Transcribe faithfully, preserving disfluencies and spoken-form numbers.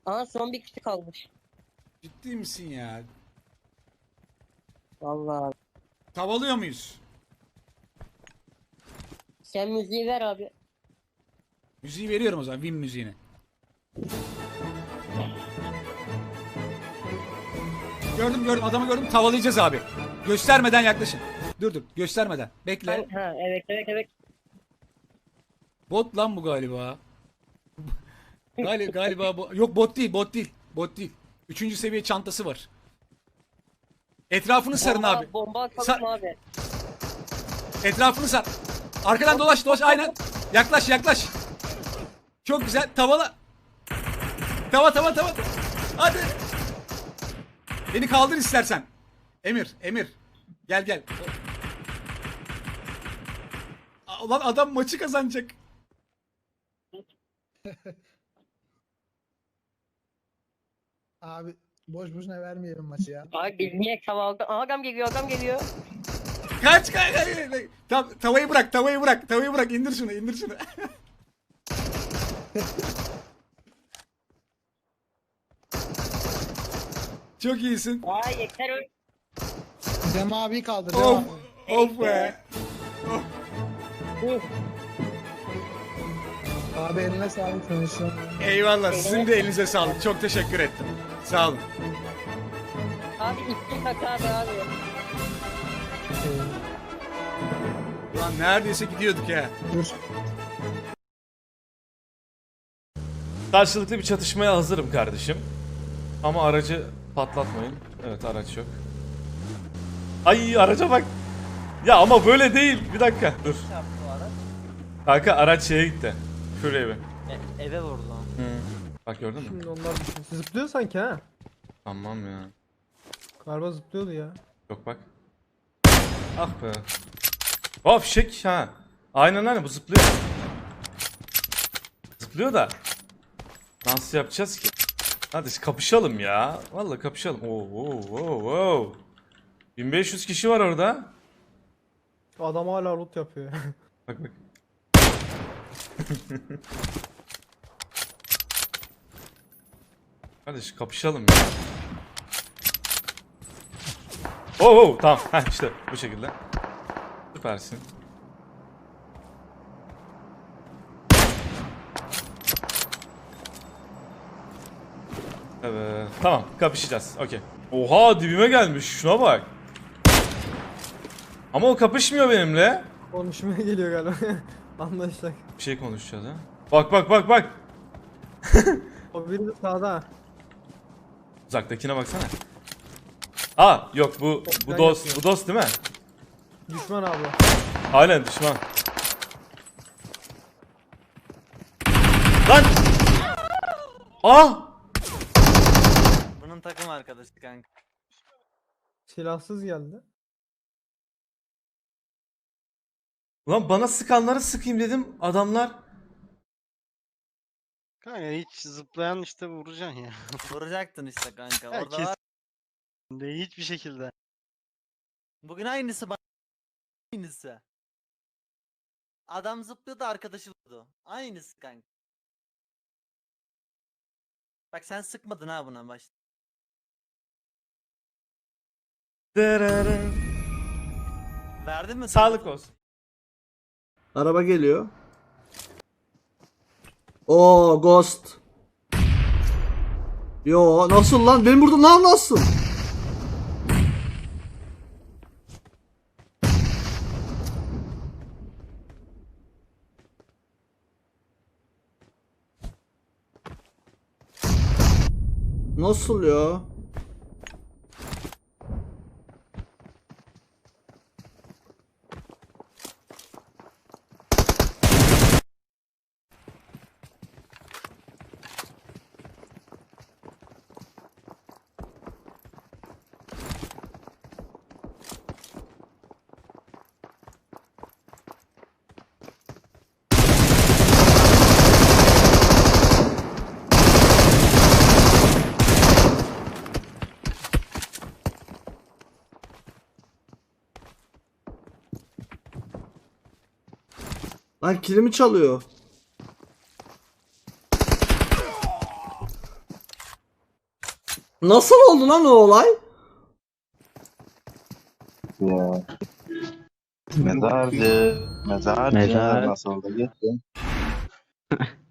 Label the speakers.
Speaker 1: Aa son bir kişi kalmış.
Speaker 2: Ciddi misin ya?
Speaker 1: Vallahi.
Speaker 2: Tavalıyor muyuz?
Speaker 1: Sen müziği ver abi.
Speaker 2: Müziği veriyorum o zaman. Win müziğini. Gördüm gördüm adamı gördüm. Tavalayacağız abi. Göstermeden yaklaşın. Dur dur göstermeden. Bekle.
Speaker 1: Ha evet evet evet.
Speaker 2: Bot lan bu galiba. Gali galiba bu. Yok bot değil bot değil. Bot değil. Üçüncü seviye çantası var. Etrafını sarın
Speaker 1: Bomba,
Speaker 2: abi.
Speaker 1: bomba atalım
Speaker 2: Sa-
Speaker 1: abi.
Speaker 2: Etrafını sar. Arkadan dolaş dolaş aynen. Yaklaş yaklaş. Çok güzel. Tavala. Tava tava tava. Hadi. Beni kaldır istersen. Emir, Emir. Gel gel. A- Ulan adam maçı kazanacak.
Speaker 3: Abi boş boşuna vermeyelim maçı ya.
Speaker 1: Abi biz niye kavaldı? Aa, adam geliyor adam geliyor.
Speaker 2: Kaç kaç kaç. Tam, tavayı bırak, tavayı bırak, tavayı bırak. İndir şunu, indir şunu. Çok iyisin.
Speaker 1: Aa yeter öyle.
Speaker 3: Dem abi kaldır. Dem
Speaker 2: Of,
Speaker 3: abi.
Speaker 2: of be.
Speaker 1: Uf,
Speaker 3: Abi eline sağlık konuşalım.
Speaker 2: Eyvallah. Sizin de elinize sağlık. Çok teşekkür ettim. Sağ olun.
Speaker 1: Abi içtim bak abi abi.
Speaker 2: Ulan neredeyse gidiyorduk ya.
Speaker 3: Dur.
Speaker 4: Karşılıklı bir çatışmaya hazırım kardeşim. Ama aracı patlatmayın. Evet araç yok. Ay araca bak. Ya ama böyle değil. Bir dakika dur.
Speaker 5: Çarptı o araç.
Speaker 4: Kanka araç şeye gitti. Şuraya bir.
Speaker 5: E, eve vurdu lan.
Speaker 4: Bak gördün mü?
Speaker 6: Şimdi onlar düşün. Zıplıyor sanki ha.
Speaker 4: Tamam ya.
Speaker 6: Galiba zıplıyordu ya.
Speaker 4: Yok bak. Ah be. Hop fişek ha. Aynen aynen bu zıplıyor. Zıplıyor da. Nasıl yapacağız ki? Hadi kapışalım ya. Vallahi kapışalım. Oo, oo, oo, oo. bin beş yüz kişi var orada.
Speaker 6: Adam hala loot yapıyor.
Speaker 4: Bak bak. Kardeş kapışalım ya. Oo, oo tamam. Heh, işte bu şekilde. Süpersin. Evet. Tamam kapışacağız. Okey. Oha dibime gelmiş. Şuna bak. Ama o kapışmıyor benimle.
Speaker 6: Konuşmaya geliyor galiba. Anlaştık.
Speaker 4: Bir şey konuşacağız ha. Bak bak bak bak.
Speaker 6: O biri de sağda ha.
Speaker 4: Uzaktakine baksana. Aa yok bu bu
Speaker 6: Ben
Speaker 4: dost
Speaker 6: yapıyorum.
Speaker 4: bu dost değil mi?
Speaker 6: Düşman abla.
Speaker 4: Aynen düşman. Lan! Ah!
Speaker 5: Bunun takım arkadaşı kanka.
Speaker 6: Silahsız geldi.
Speaker 4: Lan bana sıkanları sıkayım dedim adamlar.
Speaker 7: Kanka hiç zıplayan işte vuracaksın ya.
Speaker 5: Vuracaktın işte kanka.
Speaker 7: Ya
Speaker 5: Orada
Speaker 7: kes-
Speaker 5: var.
Speaker 7: De hiçbir şekilde.
Speaker 5: Bugün aynısı bana. Aynısı. Adam zıplıyordu arkadaşı vurdu. Aynısı kanka. Bak sen sıkmadın ha buna başta. Verdin mi?
Speaker 4: Sağlık olsun.
Speaker 8: Araba geliyor. Oo Ghost. Yo nasıl lan? Benim burada lan nasıl? Nasıl ya? Lan kilimi çalıyor. Nasıl oldu lan o olay?
Speaker 9: Ya. Mezarcı. Mezarcı.
Speaker 10: Mezar.
Speaker 9: Nasıl oldu gitti?